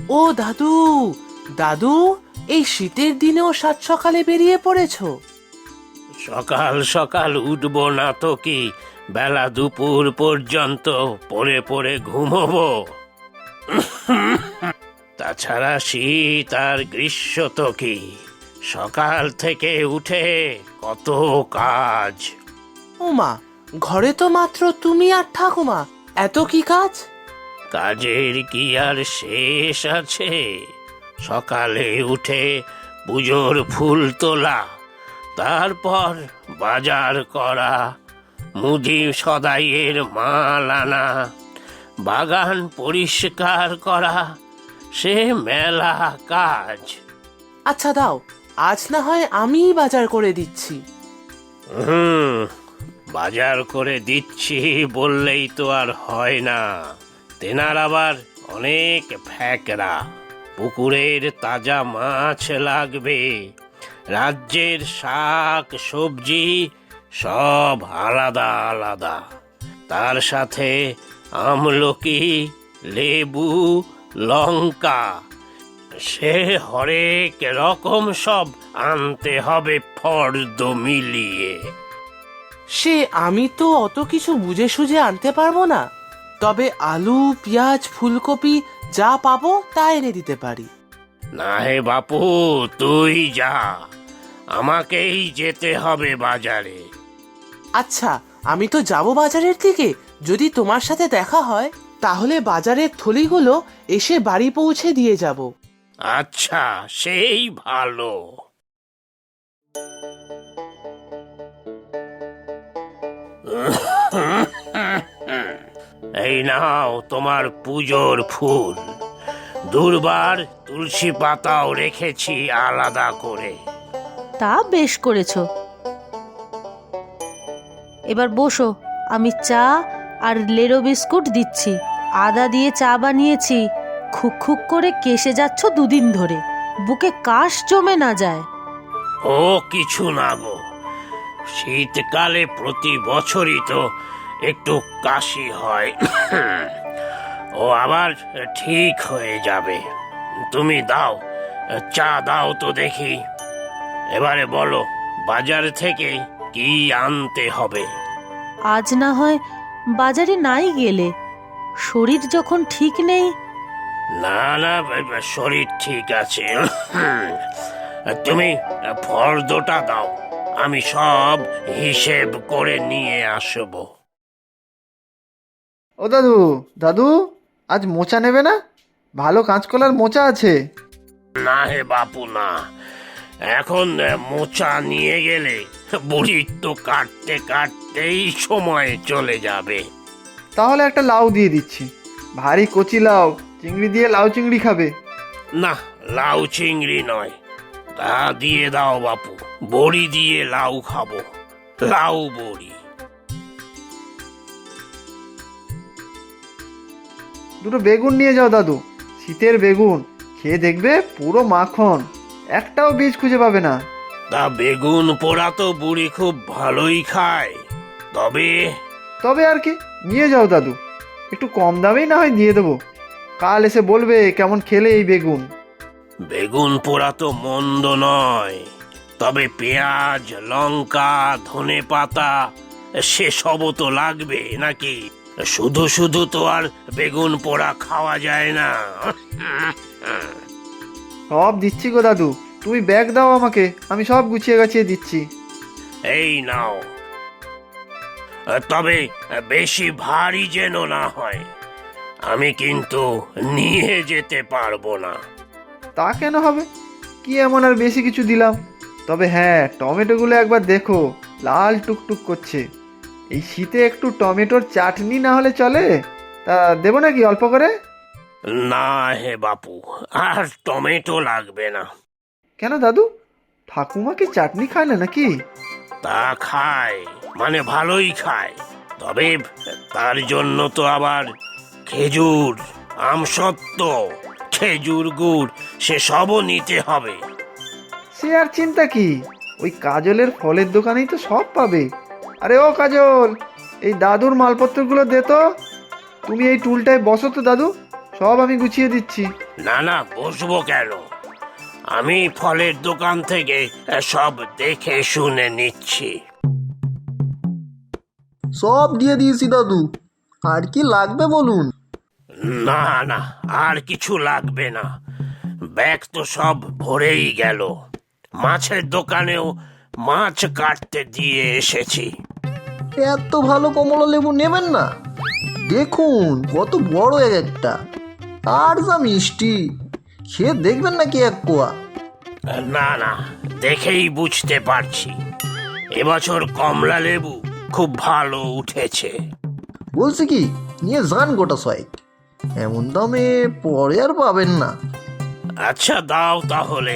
ও দাদু, দাদু, এই শীতের দিনেও সাত সকালে বেরিয়ে পড়েছো? সকাল সকাল উঠবো না তো কি বেলা দুপুর পর্যন্ত পড়ে পড়ে ঘুমোবো? তাছাড়া শীত আর গ্রীষ্ম তো কি, সকাল থেকে উঠে কত কাজ। ওমা, ঘরে তো মাত্র তুমি আর ঠাকুমা, এত কি কাজ? কাজের কি আর শেষ আছে? সকালে উঠে পুজোর ফুল তোলা, তারপর বাজার করা, মুদি সদাইয়ের মাল আনা, বাগান পরিষ্কার করা, সে মেলা কাজ। আচ্ছা দাও, আজ না হয় আমিই বাজার করে দিচ্ছি। হুম, বাজার করে দিচ্ছি বললেই তো আর হয় না। তেনার আবার অনেক ফ্যাকরা, পুকুরের তাজা মাছ লাগবে, রাজ্যের শাক সবজি সব আলাদা আলাদা, তার সাথে আমলকি, লেবু, লঙ্কা, সে হরেক রকম সব আনতে হবে ফর্দ মিলিয়ে। সে আমি তো অত কিছু বুঝে সুঝে আনতে পারবো না, তবে আলু, পেঁয়াজ, ফুলকপি যা পাবো তা এনে দিতে পারি। না হে বাপু, তুই যা, আমাকেই যেতে হবে বাজারে। আচ্ছা, আমি তো যাব বাজারের দিকে, যদি তোমার সাথে দেখা হয় তাহলে বাজারের থলিগুলো এসে বাড়ি পৌঁছে দিয়ে যাব। আচ্ছা, সেই ভালো। এই নাও তোমার পুজোর ফুল, দুর্বার তুলসী পাতাও রেখেছি আলাদা করে। তা বেশ করেছো। এবার বসো, আমি চা আর লেরো বিস্কুট দিচ্ছি। আদা দিয়ে চা বানিয়েছি, খুক খুক করে কেসে যাচ্ছ দুদিন ধরে, বুকে কাশ জমে না যায়। ও কিছু না গো, শীতকালে প্রতি বছরই তো একটু কাশি হয়, ও আবার ঠিক হয়ে যাবে। তুমি দাও, চা দাও তো দেখি। এবারে বলো, বাজার থেকে কি আনতে হবে? আজ না হয় বাজারে নাই গেলে, শরীর যখন ঠিক নেই। না না, শরীর ঠিক আছে। তুমি ফর্দটা দাও, আমি সব হিসেব করে নিয়ে আসবো। ও দাদু, দাদু, আজ মোচা নেবে না? ভালো কাঁচকলার মোচা আছে। না হে বাপু না, এখন মোচা নিয়ে গেলে বুড়ির তো কাটতে কাটতেই সময় চলে যাবে। তাহলে একটা লাউ দিয়ে দিচ্ছি, ভারী কচি লাউ, চিংড়ি দিয়ে লাউ চিংড়ি খাবে। না, লাউ চিংড়ি নয়, তা দিয়ে দাও বাপু, বড়ি দিয়ে লাউ খাবো, লাউ বড়ি। দুটো বেগুন নিয়ে যাও দাদু, শীতের বেগুন, খেয়ে দেখবে পুরো মাখন, একটাও বীজ খুঁজে পাবে না। তা বেগুন পোড়া তো বুড়ি খুব ভালোই খায়, তবে তবে আর কি, নিয়ে যাও দাদু, একটু কম দামেই না হয় দিয়ে দেবো। কাল এসে বলবে কেমন খেলে এই বেগুন। বেগুন পোড়া তো মন্দ নয়, তবে পেঁয়াজ, লঙ্কা, ধনে পাতা সেসবও তো লাগবে নাকি? শুধু শুধু তো আর বেগুন পোড়া খাওয়া যায় না। সব দিচ্ছি গো দাদু, তুমি ব্যাগ দাও আমাকে, আমি সব গুছিয়ে গাছিয়ে দিচ্ছি। এই নাও, তবে বেশি ভারী যেন না হয়, আমি কিন্তু নিয়ে যেতে পারবো না। তা কেন হবে, কি এমন আর বেশি কিছু দিলাম? তবে হ্যাঁ, টমেটোগুলো একবার দেখো, লাল টুকটুক করছে। এই শীতে একটু টমেটোর চাটনি না হলে চলে? তা দেবো নাকি অল্প করে? না হে বাপু, আর টমেটো লাগবে না। কেন দাদু, ঠাকুমা কি চাটনি খায় না নাকি? তা খায়, মানে ভালোই খায়, তবে তার জন্য তো আবার খেজুর, আমসত্ত্ব, খেজুর গুড় সেসবও নিতে হবে। সে আর চিন্তা কি, ওই কাজলের ফলের দোকানেই তো সব পাবে। আরে ও কাজল, এই দাদুর মালপত্রগুলো দে তো। তুমি এই টুলটায় বসো তো দাদু, সব আমি গুছিয়ে দিচ্ছি। না না, বসবো কেন? আমি ফলের দোকান থেকে সব দেখে শুনে নিচ্ছি। সব দিয়ে দিয়েছি দাদু, আর কি লাগবে বলুন। না না, আর কিছু লাগবে না, ব্যাগ তো সব ভরেই গেল। মাছের দোকানেও মাছ কাটতে দিয়ে এসেছি। এত ভালো কমলা লেবু নেবেন না? দেখুন কত বড় এক একটা, আর যা মিষ্টি, খেয়ে দেখবেন নাকি এক কোয়া? না না, দেখেই বুঝতে পারছি এবছর কমলা লেবু খুব ভালো উঠেছে। বলছি কি, নিয়ে যান গোটা ছয়েক, এমন দামে পরে আর পাবেন না। আচ্ছা দাও তাহলে।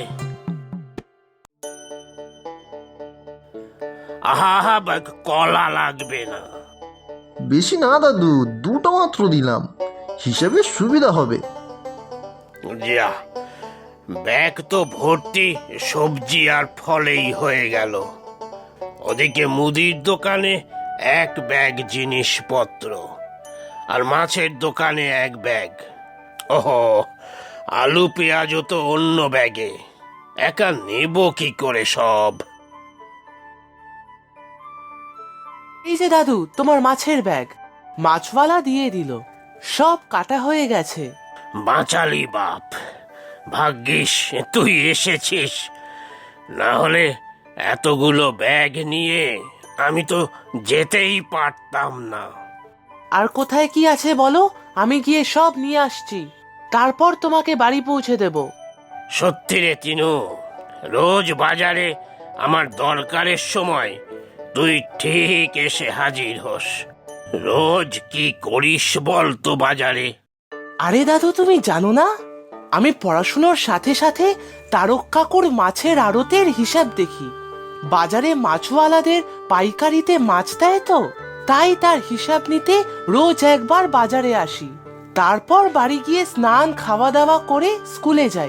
আহা, কলা লাগবে না। বেশি না দাদু, দুটো মাত্র দিলাম, হিসেবে সুবিধা হবে। যা, ব্যাগ তো ভর্তি সবজি আর ফলেই হয়ে গেল। ওদিকে মুদির দোকানে এক ব্যাগ জিনিসপত্র, আর মাছের দোকানে এক ব্যাগ। ওহো, আলু পেঁয়াজও তো অন্য ব্যাগে, একা নেব কি করে সব? এই যে দাদু, তোমার মাছের ব্যাগ। মাছওয়ালা দিয়ে দিল, সব কাটা হয়ে গেছে। বাঁচালি বাপ, ভাগ্যিস তুই এসেছিস, না হলে এতগুলো ব্যাগ নিয়ে আমি তো যেতেই পারতাম না। আর কোথায় কি আছে বলো, আমি গিয়ে সব নিয়ে আসছি, তারপর তোমাকে বাড়ি পৌঁছে দেব। সত্যি রে তিনু, রোজ বাজারে আমার দরকারের সময় তুই ঠিক এসে হাজির হোস। রোজ কি করিস বল তো বাজারে? আরে দাদু, তুমি জানো না, আমি পড়াশুনোর সাথে সাথে তারক কাকুর মাছের আড়তের হিসাব দেখি। বাজারে মাছওয়ালাদের পাইকারিতে মাছ দেয় তো, তাই তার হিসাব নিতে রোজ একবার বাজারে আসি, তারপর বাড়ি গিয়ে স্নান খাওয়া দাওয়া করে স্কুলে যাই।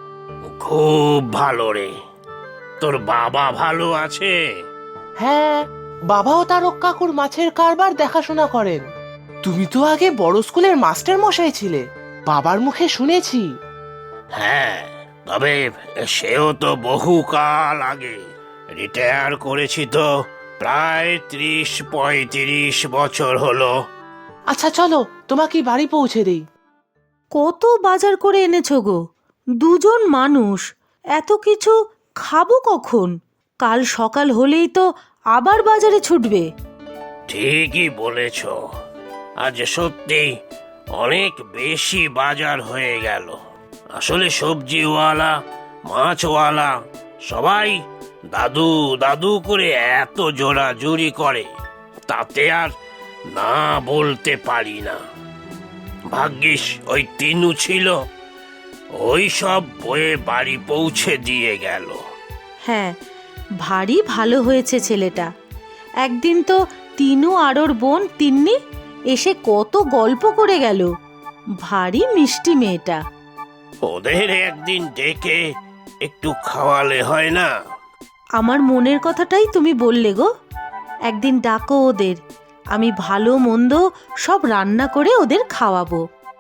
খুব ভালো রে, তোর বাবা ভালো আছে? হ্যাঁ, বাবাও তারক কাকুর মাছের কারবার দেখাশোনা করেন। তুমি তো আগে বড় স্কুলের মাস্টার মশাই ছিলে, বাবার মুখে শুনেছি। হ্যাঁ, তবে সেও তো বহুকাল আগে। রিটায়ার করেছি তো প্রায় 30-35 বছর হলো। আচ্ছা চলো, তোমাকে বাড়ি পৌঁছে দেই। কত বাজার করে এনেছো গো, দুজন মানুষ, এত কিছু খাবো কখন? কাল সকাল হলেই তো আবার বাজারে ছুটবে। ঠিকই বলেছ, আজ সত্যি অনেক বেশি বাজার হয়ে গেল। আসলে সবজিওয়ালা মাছওয়ালা সবাই দাদু দাদু করে এত জোরাজুরি করে, তাতে আর না বলতে পারি না। ভাগ্যিস ওই তিনু ছিল, ওই সব বয়ে বাড়ি পৌঁছে দিয়ে গেল। হ্যাঁ, ভারী ভালো হয়েছে ছেলেটা। একদিন তো তিনু আর ওর বোন তিন্নি এসে কত গল্প করে গেল। ভারী মিষ্টি মেয়েটা। ওদের একদিন ডেকে একটু খাওয়ালে হয় না? আমার মনের কথাটাই তুমি বললে গো। একদিন ডাকো ওদের, আমি ভালো মন্দ সব রান্না করে ওদের খাওয়াবো।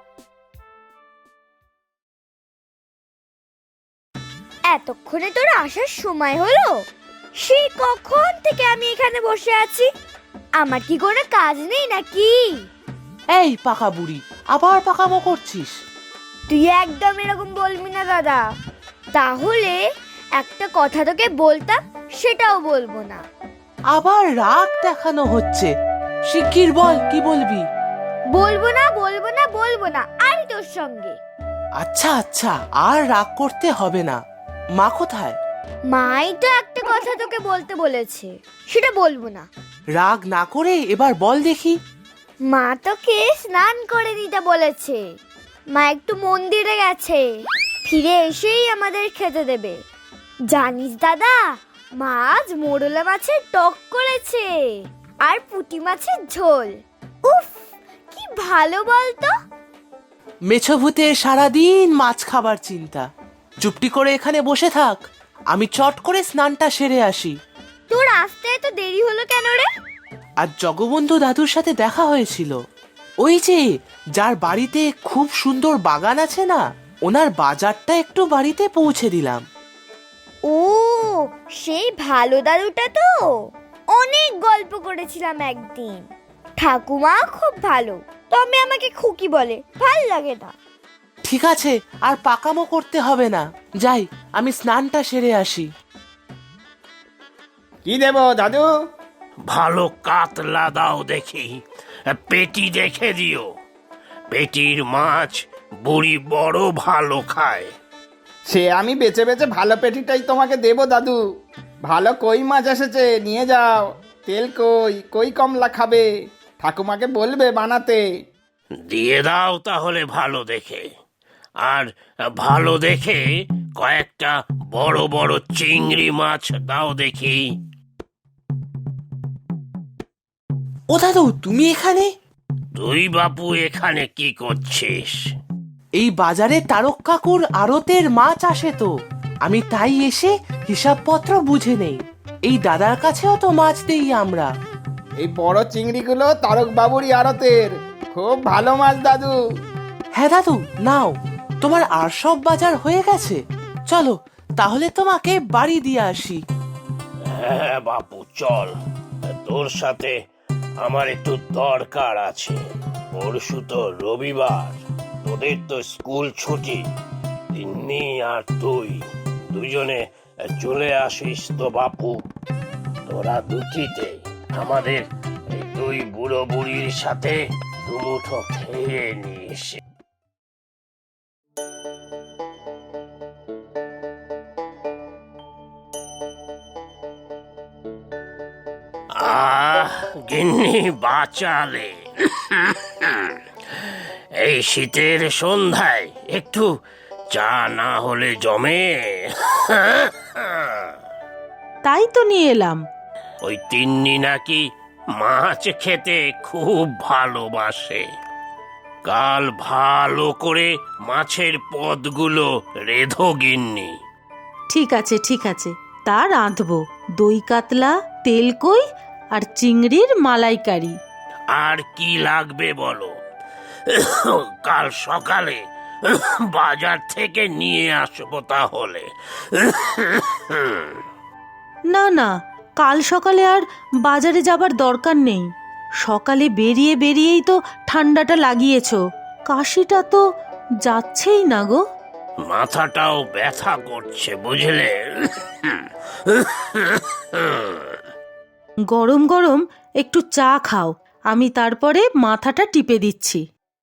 এতক্ষণে তোর আসার সময় হলো? সেই কখন থেকে আমি এখানে বসে আছি, আমার কি কোনো কাজ নেই নাকি? এই পাকা বুড়ি, আবার পাকামো করছিস? তুই একদম এরকম বলবি না দাদা, তাহলে একটা কথা তোকে বলতাম সেটাও বলবো না। আবার রাগ দেখানো হচ্ছে, শিগগির বল কি বলবি। বলবো না বলবো না বলবো না, আর তোর সঙ্গে। আচ্ছা আচ্ছা, আর রাগ করতে হবে না। মা কোথায়? মাই তো একটা কথা তোকে বলতে বলেছে, সেটা বলবো না। রাগ না করে এবার বল দেখি। মা তোকে স্নান করে দিতে বলেছে। মা একটু মন্দিরে গেছে, ফিরে এসেই আমাদের খেতে দেবে। জানিস দাদা, মা আজ মোরলা মাছের টক করেছে আর পুঁটি মাছের ঝোল। উফ, কি ভালো বলতো। মেছভূতে সারাদিন মাছ খাবার চিন্তা। চুপটি করে এখানে বসে থাক, আমি চট করে স্নানটা সেরে আসি। তোর আসতে এত দেরি হলো কেন রে? আর জগবন্ধু দাদুর সাথে দেখা হয়েছিল, ওই যে যার বাড়িতে খুব সুন্দর বাগান আছে না, ওনার বাজারটা একটু বাড়িতে পৌঁছে দিলাম। ও, সেই ভালো দাদুটা তো, অনেক গল্প করেছিলাম একদিন। ঠাকুমা খুব ভালো, তবে আমাকে খুকি বলে, ভাল লাগে না। ঠিক আছে, আর পাকামো করতে হবে না, যাই আমি স্নানটা সেরে আসি। কি দেব দাদু? ভালো কাতলা দাও দেখি, পেটি দেখে দিও। পেটির মাছ বুড়ি বড় ভালো খায়। সে আমি বেছে বেছে ভালো পেটিটাই তোমাকে দেব দাদু। ভালো কই মাছ এসেছে, নিয়ে যাও। তেল কই, কই কমলা খাবে, ঠাকুমাকে বলবে বানাতে। দিয়ে দাও তাহলে ভালো দেখে, আর ভালো দেখে কয়েকটা বড় বড় চিংড়ি মাছ দাও দেখি। ও দাদু, তুমি এখানে? তুই বাপু এখানে কি করছিস? এই বাজারে তারক কাকুর আড়তের মাছ আসে তো, আমি তাই এসে হিসাবপত্র বুঝে নেই। এই দাদার কাছেও তো মাছ দেই আমরা। এই বড় চিংড়িগুলো তারক বাবুরই আড়তের, খুব ভালো মাছ দাদু। হ্যাঁ দাদু, নাও, তোমার আর সব বাজার হয়ে গেছে। চলো তাহলে তোমাকে বাড়ি দিয়ে আসি। হ্যাঁ বাপু চল, তোর সাথে আমার একটু দরকার আছে। পরশু তো রবিবার, তোদের তো স্কুল ছুটি। তিন্নি আর তুই দুজনে চলে আসিস তো বাপু। তোরা দুটিতে আমাদের এই দুই বুড়ো বুড়ির সাথে দুমুঠো খেয়ে নিস। গিন্নি বাঁচালে। এই শীতের সন্ধ্যায় একটু চা না হলে জমে। তাই তো নিয়ে এলাম। ওই তিন্নি নাকি মাছ খেতে খুব ভালোবাসে। কাল ভালো করে মাছের পদগুলো রেধো গিন্নি। ঠিক আছে ঠিক আছে, তা রাঁধবো। দই কাতলা, তেল কই আর চিংড়ির মালাইকারি। আর কি লাগবে বলো? কাল সকালে বাজার থেকে নিয়ে আসবো তাহলে। না না, কাল সকালে আর বাজারে যাবার দরকার নেই। সকালে বেরিয়ে বেরিয়েই তো ঠান্ডাটা লাগিয়েছো, কাশিটা তো যাচ্ছেই না গো। মাথাটাও ব্যথা করছে বুঝলে। গরম গরম একটু চা খাও, আমি তারপরে মাথাটা টিপে দিচ্ছি।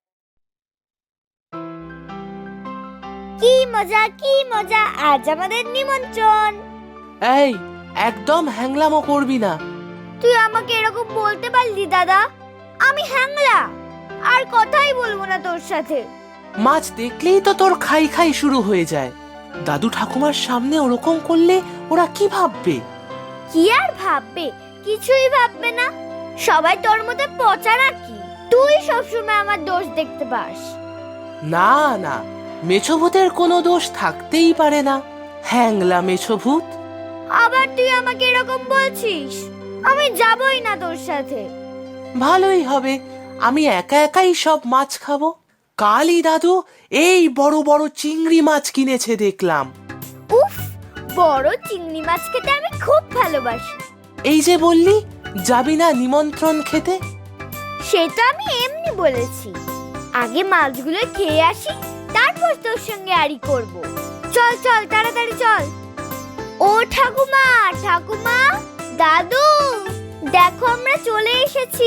কি মজা কি মজা, আজ আমাদের নিমন্ত্রণ। এই, একদম হ্যাংলামো করবি না। তুই আমাকে এরকম বলতে পারলি দাদা? আমি হ্যাংলা, আর কথাই বলবো না তোর সাথে। মাছ দেখলেই তো তোর খাই খাই শুরু হয়ে যায়। দাদু ঠাকুমার সামনে ওরকম করলে ওরা কি ভাববে? কি আর ভাববে? কিছুই ভাববে না। সবাই তোর মধ্যে পচা নাকি? তুই সবসময় আমার দোষ দেখতে পাস। না না, মেছভূতের কোনো দোষ থাকতেই পারে না। হ্যাংলা মেছভূত। আবার তুই আমাকে এরকম বলছিস? আমি যাবই না তোর সাথে। ভালোই হবে, আমি একা একাই সব মাছ খাবো। কালই দাদু এই বড় বড় চিংড়ি মাছ কিনেছে দেখলাম। উফ, বড় চিংড়ি মাছ খেতে আমি খুব ভালোবাসি। এই যে বললি যাবি না নিমন্ত্রণ খেতে। সেটা আমি এমনি বলেছি। আগে মাছগুলো খেয়ে আসি, তারপর তোর সঙ্গে আড়ি করব। চল চল তাড়াতাড়ি চল। ও ঠাকুমা, ঠাকুমা, দাদু, দেখো আমরা চলে এসেছি।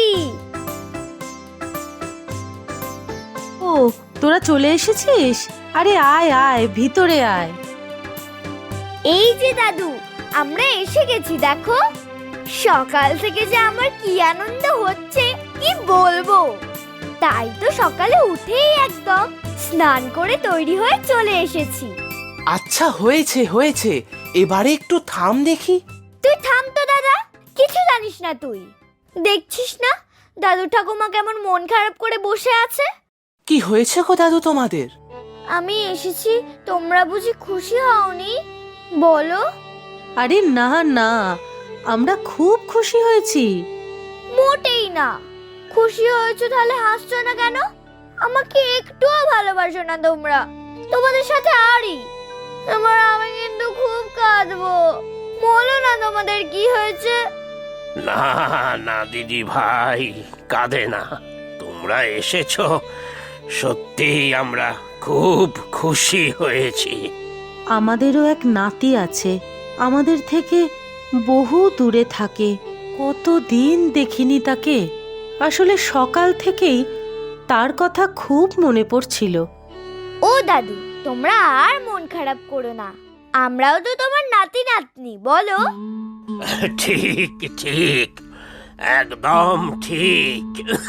ও, তোরা চলে এসেছিস? আরে আয় আয়, ভিতরে আয়। এই যে দাদু, আমরা এসে গেছি দেখো। সকাল থেকে যে আমার কি আনন্দ হচ্ছে কি বলবো। তাই তো সকালে উঠেই একদম স্নান করে তৈরি হয়ে চলে এসেছি। আচ্ছা হয়েছে হয়েছে, এবারে একটু থাম দেখি। তুই থাম তো দাদা, কিছু জানিস না তুই। দেখছিস না দাদু ঠাকুমা কেমন মন খারাপ করে বসে আছে। কি হয়েছে গো দাদু তোমাদের? আমি এসেছি, তোমরা বুঝি খুশি হওনি? বলো। আরে না না, আমরা খুব খুশি হয়েছি। মোটেই না, খুশি হয়েছো তাহলে হাসছো না কেন? আমাকে একটুও ভালোবাসো না তোমরা, তোমাদের সাথে আরই। আমি কিন্তু খুব কাঁদবো, বলো না তোমাদের কি হয়েছে। না না দিদি ভাই, কাঁদে না। তোমরা এসেছো, সত্যি আমরা খুব খুশি হয়েছি। আমাদেরও এক নাতি আছে, আমাদের থেকে বহু দূরে থাকে। কতদিন দেখিনি তাকে। আসলে সকাল থেকেই তার কথা খুব মনে পড়ছিল। ও দাদু, তোমরা আর মন খারাপ করো না, আমরাও তো তোমার নাতি নাতনি, বলো। ঠিক ঠিক, একদম ঠিক।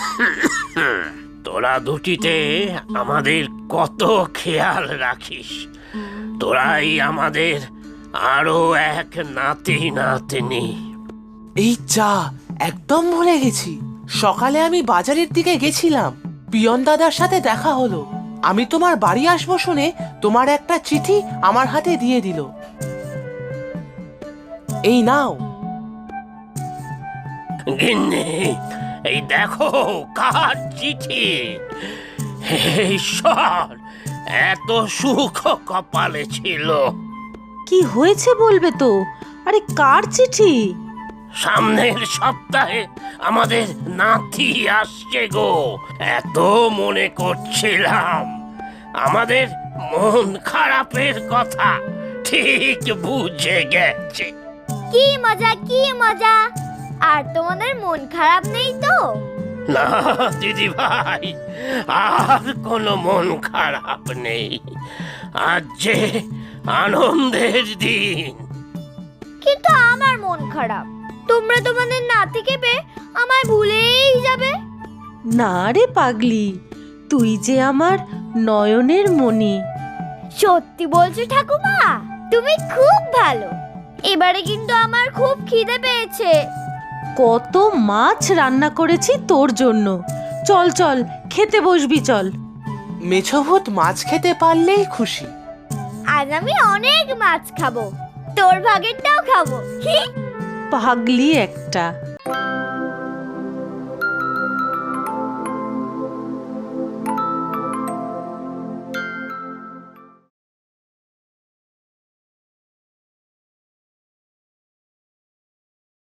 তোরা দুটিতে আমাদের কত খেয়াল রাখিস। তোরাই আমাদের আরো এক নাতি নাতনি। এই চা একদম ভুলে গেছি। সকালে আমি বাজারের দিকে গেছিলাম, পিয়ন দাদার সাথে দেখা হলো। আমি তোমার বাড়ি আসবো শুনে তোমার একটা চিঠি আমার হাতে দিয়ে দিল। এই নাও। গিন্নি, এই দেখো কার চিঠি। হে ঈশ্বর, এত সুখ কপালে ছিল। কি হয়েছে বলবে তো? আরে কার চিঠি? সামনের সপ্তাহে আমাদের নাতি আসছে গো। এত মনে করছিলাম, আমাদের মন খারাপের কথা ঠিক বুঝে গেছে। কি মজা, কি মজা। আর তোমাদের মন খারাপ নেই তো? না দিদি ভাই, আর কোনো মন খারাপ নেই। আজ যে আনন্দের দিন। কিন্তু আমার মন খারাপ, তোমরা তোমাদের নাতিকে পেয়ে আমায় ভুলেই যাবে। না রে পাগলি, তুই যে আমার নয়নের মণি। সত্যি বলছো ঠাকুমা? তুমি খুব ভালো। এবারে কিন্তু আমার খুব খিদে পেয়েছে। কত মাছ রান্না করেছি তোর জন্য। চল চল, খেতে বসবি চল। মেছভূত মাছ খেতে পারলেই খুশি। আজ আমি অনেক মাছ খাবো, তোর ভাগেরটাও খাবো। পাগলি একটা।